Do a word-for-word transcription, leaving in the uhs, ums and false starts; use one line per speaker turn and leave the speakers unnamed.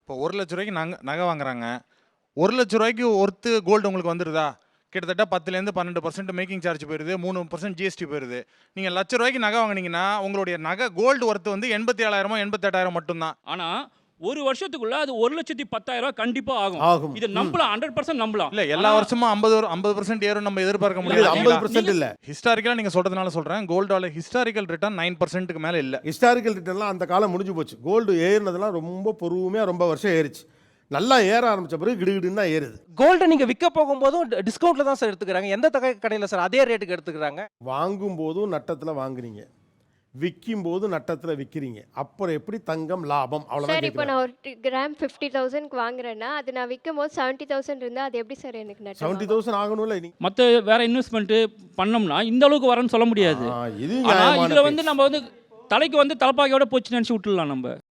இப்போ ஒரு லட்ச ரூபாய்க்கு நகை நகை வாங்குறாங்க. ஒரு லட்ச ரூபாய்க்கு ஒர்த்து கோல்டு உங்களுக்கு வந்துருதா? கிட்டத்தட்ட பத்துலேருந்து பன்னெண்டு பர்சன்ட் மேக்கிங் சார்ஜ் போயிருது, மூணு பர்சன்ட் ஜிஎஸ்டி போயிருது. நீங்க லட்ச ரூபாய்க்கு நகை வாங்குனீங்கன்னா, உங்களுடைய நகை கோல்டு ஒர்த் வந்து எண்பத்தி ஏழாயிரம் எண்பத்தி எட்டாயிரம் மட்டும் தான்.
ஆனா ஒரு வருஷத்துக்குள்ள அது ஒரு லட்சத்தி பத்தாயிரம் ரூபாய் கண்டிப்பா ஆகும்.
ஆகும்.
இது நம்பலாம், நூறு சதவீதம் நம்பலாம்.
இல்ல எல்லா வருஷமும் ஐம்பது ஐம்பது பர்சன்ட் ஏறும் நம்ம எதிர்பார்க்க
இல்ல,
முடியாது.
ஐம்பது பர்சன்ட் இல்ல.
ஹிஸ்டாரிக்கலா நீங்க சொல்றதுனால சொல்றேன். கோல்டோட ஹிஸ்டாரிக்கல் ரிட்டர்ன் ஒன்பது பர்சன்ட்க்கு மேல இல்ல.
ஹிஸ்டாரிக்கல் ரிட்டர்ன்லாம் அந்த காலம் முடிஞ்சு போச்சு. கோல்டு ஏறினதெல்லாம் ரொம்ப பொறுமையா ரொம்ப வருஷம் ஏறிச்சு. நல்லா ஏற ஆரம்பிச்ச பிறகு கிடுகிடுன்னு தான் ஏறுது.
கோல்டை நீங்க விற்க போகும்போதும் டிஸ்கவுண்ட்ல தான் சார் எடுத்துக்கிறாங்க. எந்த தகை கடையில் சார் அதே ரேட்டுக்கு எடுத்துக்கிறாங்க?
வாங்கும் போதும் நட்டத்துல வாங்குறீங்க, விற்கும் போது நட்டத்துல விற்கிறீங்க. அப்புறம் எப்படி தங்கம் லாபம்?
சார்
அவ்வளவுதான்
இப்போ
கேட்குறேன்.
நான் ஒரு கிராம் ஃபிஃப்டி தௌசண்ட்க்கு வாங்குறேன்னா அது நான் விற்கும் போது செவன்ட்டி தௌசண்ட் இருந்தால் அது எப்படி சார் எனக்கு நட்டம்
செவன்ட்டி
ஆகும்?
தௌசண்ட் ஆகணும்ல நீ.
மற்ற வேற இன்வெஸ்ட்மெண்ட் பண்ணோம்னா இந்த அளவுக்கு வரேன்னு சொல்ல முடியாது.
ஆ, இது
ஆனா
நியாயமான
இதுல வந்து
பேச்சு.
நம்ம வந்து தலைக்கு வந்து தலப்பாக்கையோட போச்சு நினைச்சு விட்டுடலாம் நம்ம.